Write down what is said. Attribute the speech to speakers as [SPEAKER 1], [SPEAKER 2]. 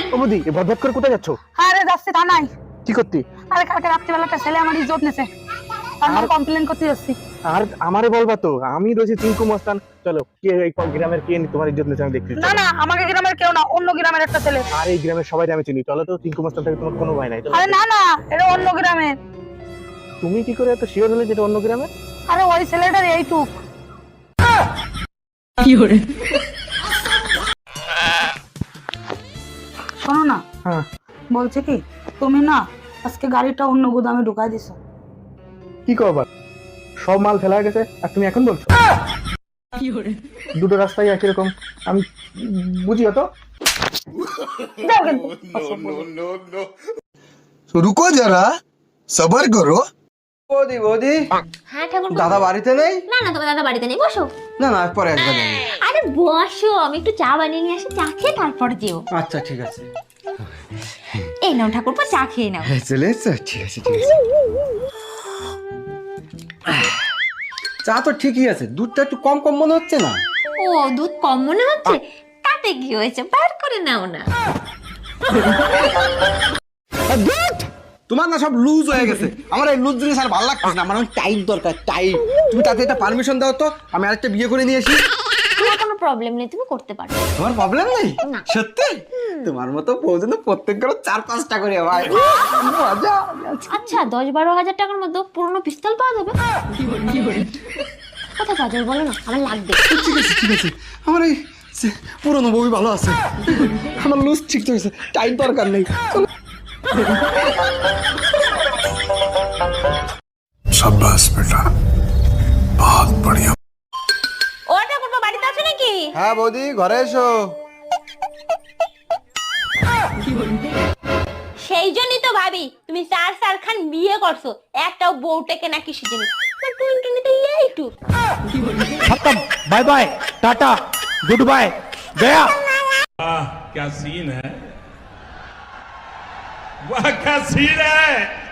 [SPEAKER 1] ও বৌদি এ বদবদ করে কোথায় যাচ্ছ?
[SPEAKER 2] আরে যাচ্ছি থানায়।
[SPEAKER 1] কি করতে?
[SPEAKER 2] আরে কালকে রাত্রিবেলা একটা ছেলে আমার ইজ্জত নেছে, তার কমপ্লেন করতে যাচ্ছি।
[SPEAKER 1] আর আমারে বলবা তো, আমি রয়েছি চিঙ্কু মস্তান। চলো, কে এই গ্রামের কে তোমার ইজ্জত নিচ্ছে আমি দেখছি।
[SPEAKER 2] না না, আমাকে গ্রামের কেউ না, অন্য গ্রামের একটা ছেলে।
[SPEAKER 1] আর এই গ্রামের সবাই আমি চিনি। চলো তো, চিঙ্কু মস্তান থেকে তোমার কোনো ভয় নাই। চলো।
[SPEAKER 2] আরে না না, এটা অন্য গ্রামের।
[SPEAKER 1] তুমি কি করে এত শিওর হলে যেটা অন্য গ্রামের?
[SPEAKER 2] আরে ওই ছেলেটার এইটুক। শোনো না,
[SPEAKER 1] হ্যাঁ
[SPEAKER 2] বলছে কি তুমি না আজকে গাড়িটা অন্য গুদামে ঢুকাই দিছো।
[SPEAKER 1] কি করবা? সব মাল ফেলা হয়ে গেছে আর তুমি এখন বলছো? দুটো রাস্তায় একই রকম, আমি বুঝি তো।
[SPEAKER 2] যাও কিন্তু।
[SPEAKER 3] तो रुको जरा सबर करो।
[SPEAKER 4] বৌদি বৌদি,
[SPEAKER 5] হ্যাঁ ঠাকুর
[SPEAKER 4] দাদা বাড়িতে নেই?
[SPEAKER 5] না না, তোমার দাদা বাড়িতে নেই, বসো।
[SPEAKER 4] না না, পরে একবার যাবো।
[SPEAKER 5] আরে বসো, আমি একটু চা বানিয়ে নিয়ে আসি, চা খেয়ে তারপরে যেও।
[SPEAKER 4] আচ্ছা ঠিক আছে।
[SPEAKER 5] এই নাও ঠাকুরপো, চা খেয়ে নাও।
[SPEAKER 4] চলে এসছো? ঠিক আছে ঠিক আছে। চা তো ঠিকই আছে, দুধটা একটু কম কম মনে হচ্ছে না?
[SPEAKER 5] ও, দুধ কম মনে হচ্ছে? তাতে কি হয়েছে, বার করে নাও না।
[SPEAKER 4] তোমার না সব লুজ হয়ে গেছে, আমার এই লুজ জিনিস আর ভালো লাগতেছে না, আমার টাইট দরকার, টাইট। তুমি তাতে একটা পারমিশন দাও তো, আমি আরেকটা বিয়ে করে নিয়ে আসি।
[SPEAKER 5] তোমার কোনো প্রবলেম নেই, তুমি করতে পারো।
[SPEAKER 4] তোমার প্রবলেম নেই?
[SPEAKER 5] না।
[SPEAKER 4] সত্যি? তোমার মতো বউজন প্রত্যেক করে 4-5টা করে ভাই, মজা।
[SPEAKER 5] আচ্ছা, 10-12 হাজার টাকার মধ্যে পুরনো পিস্তল পাওয়া যাবে? কোথায় পাওয়া যাবে বলো না, আমার লাগবে।
[SPEAKER 4] ঠিক আছে ঠিক আছে, আমার এই পুরনো বউই ভালো আছে, আমার লুজ ঠিক হয়েছে, টাইট দরকার নেই।
[SPEAKER 3] शाबाश बेटा, बहुत बढ़िया।
[SPEAKER 5] ও ঠাকুরপো, বাড়িতে আছো নাকি?
[SPEAKER 4] হ্যাঁ বৌদি, ঘরে এসো।
[SPEAKER 5] সেই জন্যই তো ভাবি তুমি 4 খান বিয়ে করছো, একটাও বউটাকে নাকি শিখেনি। টুনটুনিতে এইটুক।
[SPEAKER 1] खत्म, bye bye, tata, good bye, गया।
[SPEAKER 6] क्या सीन है, वाह क्या सीन है।